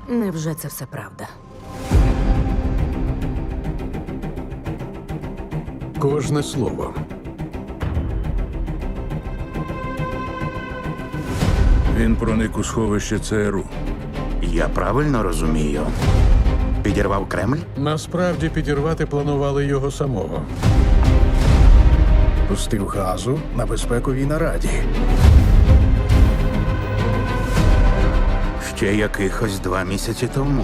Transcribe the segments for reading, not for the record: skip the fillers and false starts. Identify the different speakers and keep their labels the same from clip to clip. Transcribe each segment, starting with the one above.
Speaker 1: Невже це все правда?
Speaker 2: Кожне слово.
Speaker 3: Він проник у сховище ЦРУ.
Speaker 4: Я правильно розумію? Підірвав Кремль?
Speaker 2: Насправді підірвати планували його самого.
Speaker 5: Пустив газу на безпековій нараді.
Speaker 4: Ще якихось 2 місяці тому.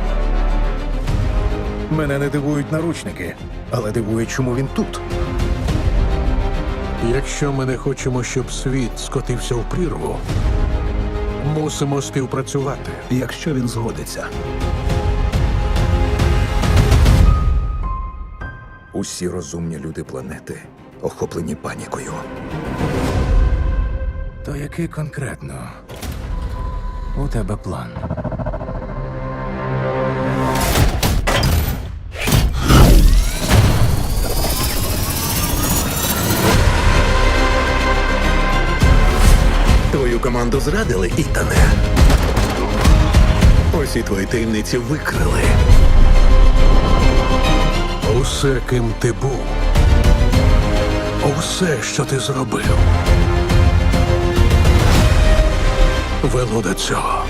Speaker 5: Мене не дивують наручники, але дивує, чому він тут.
Speaker 2: Якщо ми не хочемо, щоб світ скотився в прірву, мусимо співпрацювати.
Speaker 5: Якщо він згодиться. Усі розумні люди планети охоплені панікою. То який конкретно у тебе план?
Speaker 6: Твою команду зрадили, Ітане. Усі твої таємниці викрили.
Speaker 2: Усе, ким ти був, усе, що ти зробив, вело до цього.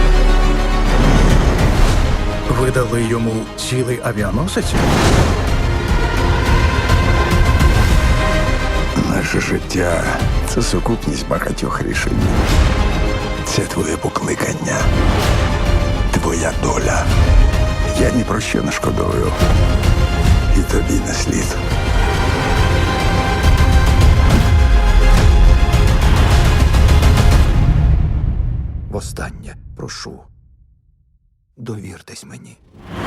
Speaker 5: Видали йому цілий авіаносець?
Speaker 7: Наше життя це сукупність багатьох рішень. Це твоє покликання, твоя доля. Я ні про що не шкодую. І тобі не слід.
Speaker 5: Востаннє прошу. Довіртесь мені.